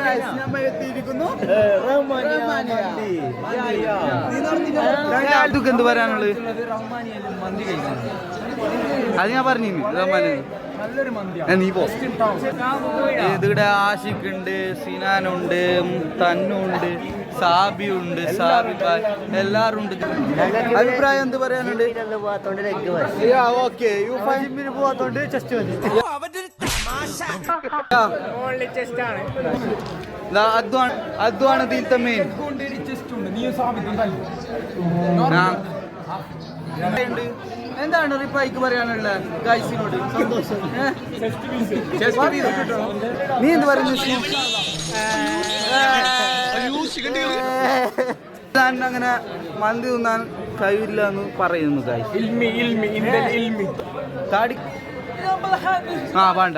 നമ്മൾ എത്തിയിരിക്കുന്നു എന്ത് പറയാനുള്ളത്? അത് ഞാൻ പറഞ്ഞു റഹ്മാനി നീ പോ. ഇതിവിടെ ആഷിഖ് ഉണ്ട്, സിനാനുണ്ട്, തന്നുണ്ട്, സാബിയുണ്ട്, സാബിബായ് എല്ലാരും ഉണ്ട്. അഭിപ്രായം എന്ത് പറയാനുണ്ട്? ഓക്കെ ജിമ്മിന് പോവാത്തോണ്ട് ചെസ്റ്റ് മതി. അദ്വാണ് ഇതിലത്തെ മെയിൻ. എന്താണ് റിപ്പായിക്ക് പറയാനുള്ളത് ഗൈസിനോട്? സന്തോഷം. നീ എന്ത് പറയുന്നു? അങ്ങനെ മന്തി തിന്നാൻ കഴിയില്ല എന്ന് പറയുന്നു ഗൈസ്. താടി വേണ്ട.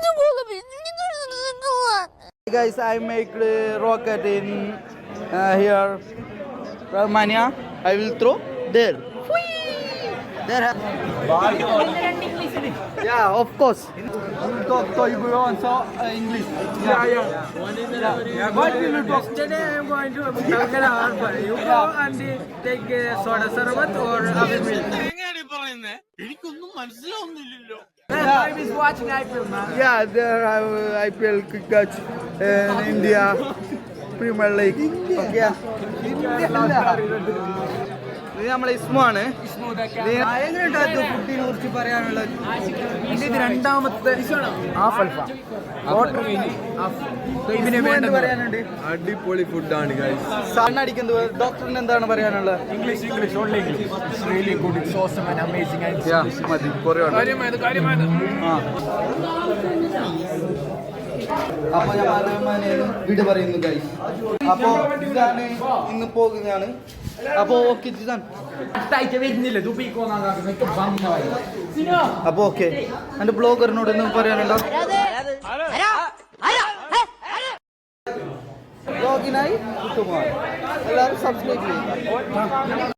Guys, I make the rocket in here, Romania. I will throw there. There. Yeah, of course. Talk you go on so English. Yeah. What will you talk? Today I am going to Kalkana Harbour. You go and take soda sarbat or other milk. എനിക്കൊന്നും മനസ്സിലാവുന്നില്ലല്ലോ. I was watching IPL, man. Yeah, there IPL cricket in India Premier League. Okay. ഇത് നമ്മളെ ഇസ്മാണ്. എങ്ങനെയുണ്ടായിരുന്നു ഫുഡിനെ കുറിച്ച് പറയാനുള്ളത്? ഇത് രണ്ടാമത്തെ പറയാനുണ്ട്? അടിപൊളി ഫുഡാണ് ഗൈസ്. സണ്ണടിക്കുന്നത് ഡോക്ടറിന് എന്താണ് പറയാനുള്ളത്? English, only English. It's really good. It's awesome and amazing. And മതി കുറേ അപ്പൊ ഞാൻ വീട് പറയുന്നു ഗൈസ്. അപ്പൊ ഇതാണ് ഇന്ന് പോകുന്നതാണ്. അപ്പൊ ഓക്കെ അപ്പൊ ഓക്കെ എന്റെ ബ്ലോഗറിനോട് ഒന്നും പറയാനുണ്ടോ? ബ്ലോഗിനായി എല്ലാവരും സബ്സ്ക്രൈബ് ചെയ്യും.